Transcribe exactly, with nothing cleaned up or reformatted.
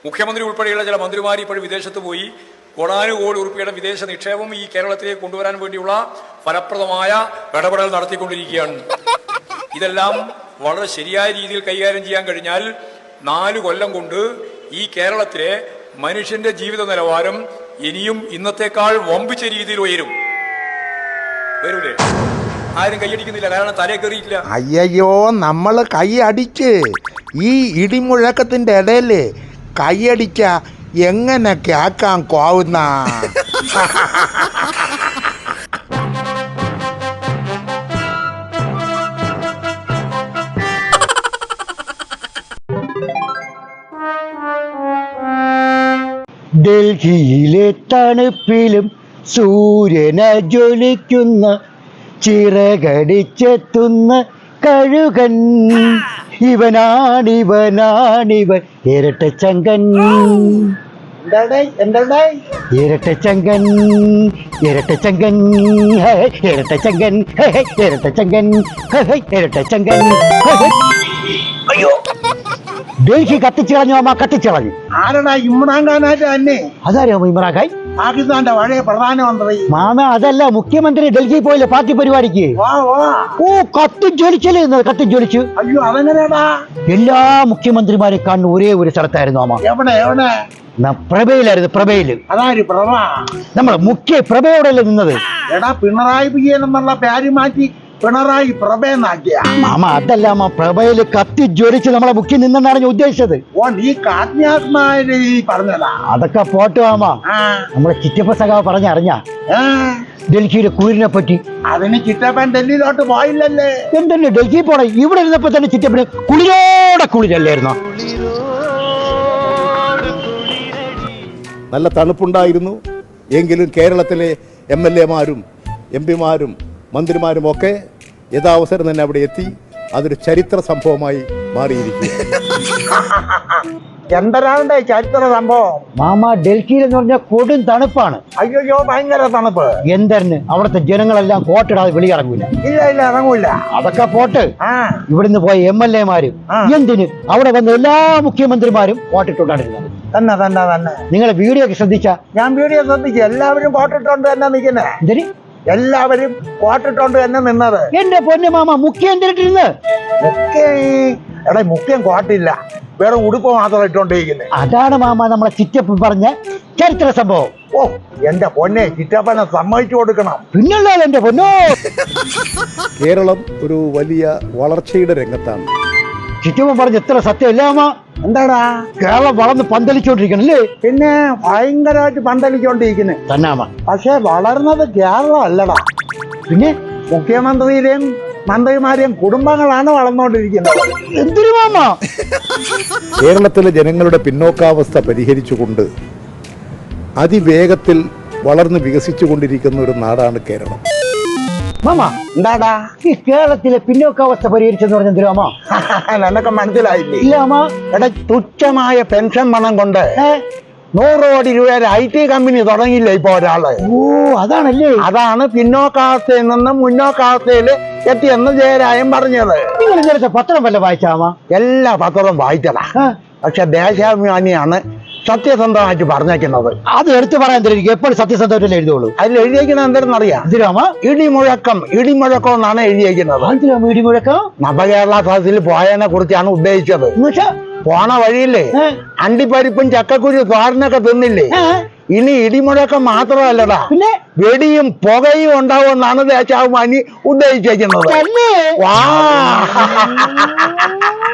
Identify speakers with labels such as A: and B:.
A: മുഖ്യമന്ത്രി ഉൾപ്പെടെയുള്ള ചില മന്ത്രിമാർ ഇപ്പോഴും വിദേശത്ത് പോയി കോടാനുകോടി ഉറുപ്പിയുടെ വിദേശ നിക്ഷേപം ഈ കേരളത്തിലേക്ക് കൊണ്ടുവരാൻ വേണ്ടിയുള്ള ഫലപ്രദമായ ഇടപെടൽ നടത്തിക്കൊണ്ടിരിക്കുകയാണ്. ഇതെല്ലാം വളരെ ശരിയായ രീതിയിൽ കൈകാര്യം ചെയ്യാൻ കഴിഞ്ഞാൽ നാല് കൊല്ലം കൊണ്ട് ഈ കേരളത്തിലെ മനുഷ്യന്റെ ജീവിത നിലവാരം ഇനിയും ഇന്നത്തെക്കാൾ വമ്പിച്ച രീതിയിൽ ഉയരും. വരൂലേ? ആരും കൈയടിക്കുന്നില്ല, കാരണം തലേ കയറിയിട്ടില്ല.
B: അയ്യോ, നമ്മൾ കൈ അടിച്ച് ഈ ഇടിമുഴക്കത്തിന്റെ ഇടയിൽ കൈയടിക്ക എങ്ങനെ കേക്കാൻ കോവുന്ന.
C: ഡൽഹിയിലെ തണുപ്പിലും സൂര്യന ജ്വലിക്കുന്ന ചിറകടിച്ചെത്തുന്ന കഴുകൻ, ഇവനാണിവനാണിവൻ ഇരട്ടച്ചങ്കൻ. ഇരട്ടച്ചങ്കൻ ഇരട്ടച്ചങ്കൻ ഇരട്ടച്ചങ്കൻ ഇരട്ടച്ചങ്കൻ ഇരട്ടച്ചങ്കൻ. അയ്യോ, ഡൽഹി കത്തിച്ചു കളഞ്ഞു അമ്മ, കത്തിച്ചു കളഞ്ഞു.
B: ആരടാ ഇമ്രാൻഖാനായിട്ട് തന്നെ?
C: അതാരോ ഇമ്രാൻ ഖാൻ?
B: പാകിസ്ഥാന്റെ പഴയ പ്രധാനമന്ത്രി.
C: മാമ അതല്ല, മുഖ്യമന്ത്രി ഡൽഹി പോയില്ലേ പാർട്ടി പരിപാടിക്ക്? ഓ, കത്തി ജ്വലിച്ചല്ലേ, കത്തി ജ്വലിച്ചു.
B: അയ്യോ, അതെങ്ങനെയാടാ?
C: എല്ലാ മുഖ്യമന്ത്രിമാരെ കാണുന്ന ഒരേ ഒരു സ്ഥലത്തായിരുന്നു അമ്മ.
B: എവിടെ എവിടെ?
C: പ്രഭയിലായിരുന്നു, പ്രഭയില്.
B: അതാര് പ്രഭ?
C: നമ്മള് മുഖ്യ പ്രഭയോടല്ലേ നിന്നത്?
B: എടാ, പിണറായി വിജയൻ എന്നുള്ള പേര് മാറ്റി പിണറായി പ്രഭയെന്നാക്കിയ.
C: മാമ അതല്ല അമ്മ, പ്രഭയില് കത്തി ജ്വലിച്ച് നമ്മളെ മുഖ്യം നിന്നാണ് ഞാൻ ഉദ്ദേശിച്ചത്.
B: ഓ, നീ കാത്മ്യാത്മായ പറഞ്ഞതാ.
C: അതൊക്കെ പോട്ട് മാമ. നമ്മളെ ചിറ്റപ്പ സഖാവ് പറഞ്ഞറിഞ്ഞ ഡൽഹിയിലെ കുളിരിനെ പറ്റി?
B: അതിന് ചിറ്റപ്പൻ ഡൽഹിയിലോട്ട് പോയില്ലല്ലേ?
C: എന്തെന്നെ ഡൽഹി പോണേ? ഇവിടെ ഇരുന്നപ്പോ തന്നെ ചിറ്റപ്പന് കുളിരോടെ കുളിരല്ലായിരുന്നോ?
D: നല്ല തണുപ്പുണ്ടായിരുന്നു. എങ്കിലും കേരളത്തിലെ എം എൽ എമാരും എം പിമാരും മന്ത്രിമാരും ഒക്കെ യഥാവസരം തന്നെ അവിടെ എത്തി. അതൊരു ചരിത്ര സംഭവമായി മാറിയിരിക്കും.
B: എന്തരാണ്ട് ചരിത്ര സംഭവം
C: മാമ? ഡൽഹിയിൽ എന്ന് പറഞ്ഞാൽ കൊടും തണുപ്പാണ്.
B: അയ്യോ, ഭയങ്കര തണുപ്പ്.
C: എന്തരന് അവിടുത്തെ ജനങ്ങളെല്ലാം കോട്ടിടാതെ വെളിയിറങ്ങൂല.
B: ഇല്ല ഇല്ല, ഇറങ്ങൂല.
C: അതൊക്കെ പോട്ട്. ഇവിടുന്ന് പോയ എം എൽ എമാരും എന്തിന് അവിടെ വന്ന എല്ലാ മുഖ്യമന്ത്രിമാരും കോട്ടിട്ടുണ്ടായിരുന്നത്.
B: തന്നെ തന്നെ തന്നെ.
C: നിങ്ങളെ വീഡിയോ ഒക്കെ ശ്രദ്ധിച്ച?
B: ഞാൻ വീഡിയോ ശ്രദ്ധിച്ചു. എല്ലാവരും കോട്ടിട്ടോണ്ട് തന്നെ നിൽക്കുന്നേ.
C: എന്തിന്
B: എല്ലാവരും കോട്ടിട്ടോണ്ട് തന്നെ നിന്നത്?
C: എന്റെ പൊന്നു മാമ, മുഖ്യം എന്തിനിട്ടിരുന്ന്?
B: മുഖ്യം എടാ, മുഖ്യം കോട്ടില്ല, വേറെ ഉടുപ്പ് മാത്രം ഇട്ടോണ്ടിരിക്കുന്നത്.
C: അതാണ് മാമ നമ്മളെ ചിറ്റപ്പൻ പറഞ്ഞ ചരിത്ര സംഭവം.
B: ഓ, എന്റെ പൊന്നെ, ചിറ്റപ്പനെ സമ്മതിച്ചു കൊടുക്കണം.
C: പിന്നല്ലോ എന്റെ പൊന്നോ.
D: കേരളം ഒരു വലിയ വളർച്ചയുടെ രംഗത്താണ്.
C: ചിറ്റപ്പൻ പറഞ്ഞ എത്ര സത്യമല്ല മാമ?
B: എന്താടാ,
C: കേരളം വളർന്ന് പന്തലിച്ചോണ്ടിരിക്കണല്ലേ?
B: പിന്നെ ഭയങ്കരമായിട്ട് പന്തലിച്ചോണ്ടിരിക്കുന്നു
C: തന്നെ.
B: പക്ഷെ വളർന്നത് കേരളം അല്ലടാ,
C: പിന്നെ
B: മുഖ്യമന്ത്രിയുടെയും മന്ത്രിമാരെയും കുടുംബങ്ങളാണ് വളർന്നുകൊണ്ടിരിക്കുന്നത്.
C: എന്തൊരു മാമ?
D: കേരളത്തിലെ ജനങ്ങളുടെ പിന്നോക്കാവസ്ഥ പരിഹരിച്ചുകൊണ്ട് അതിവേഗത്തിൽ വളർന്ന് വികസിച്ചു കൊണ്ടിരിക്കുന്ന ഒരു നാടാണ് കേരളം.
C: മാമ,
B: എന്താടാ
C: ഈ കേരളത്തിലെ പിന്നോക്കാവസ്ഥ പരിഹരിച്ചെന്ന് പറഞ്ഞ എന്തിനാ മാമ?
B: നിനക്ക് മനസ്സിലായില്ലേ?
C: ഇല്ല മാമ.
B: എടാ, തുച്ഛമായ പെൻഷൻ പണം കൊണ്ട് നൂറ് കോടി രൂപയുടെ ഐ ടി കമ്പനി തുടങ്ങിയില്ല ഇപ്പൊ ഒരാള്.
C: ഓ, അതാണല്ലേ?
B: അതാണ് പിന്നോക്കാവസ്ഥയിൽ നിന്ന് മുന്നോക്കാവസ്ഥയിൽ എത്തിയെന്ന് ജയരാജൻ പറഞ്ഞത്.
C: നിങ്ങൾ ഇന്നലത്തെ പത്രം വല്ല വായിച്ചാമ?
B: എല്ലാ പത്രവും വായിച്ചതാ. പക്ഷെ ദേശാഭിമാനിയാണ് സത്യസന്ധമായിട്ട് പറഞ്ഞേക്കുന്നത്.
C: അത് എടുത്തു പറയാൻ തരും. എപ്പോഴും സത്യസന്ധമായിട്ടല്ലേ എഴുതുള്ളൂ.
B: അതിൽ എഴുതിയേക്കുന്നത് എന്തെന്നറിയാം?
C: എന്തിനാമ?
B: ഇടിമുഴക്കം ഇടിമുഴക്കം എന്നാണ് എഴുതിയേക്കുന്നത്.
C: ഇടിമുഴക്കം
B: നവകേരള സദസ്സിൽ പോയതിനെ കുറിച്ചാണ് ഉദ്ദേശിച്ചത്. പോണ വഴിയില്ലേ അണ്ടിപ്പരിപ്പും ചക്കക്കുരു തോരനൊക്കെ തിന്നില്ലേ? ഇനി ഇടിമുഴക്കം മാത്രമല്ലടാ, പിന്നെ വെടിയും പുകയും ഉണ്ടാവുമെന്നാണ് ദേശാഭിമാനി ഉദ്ദേശിച്ചേക്കുന്നത്. വാ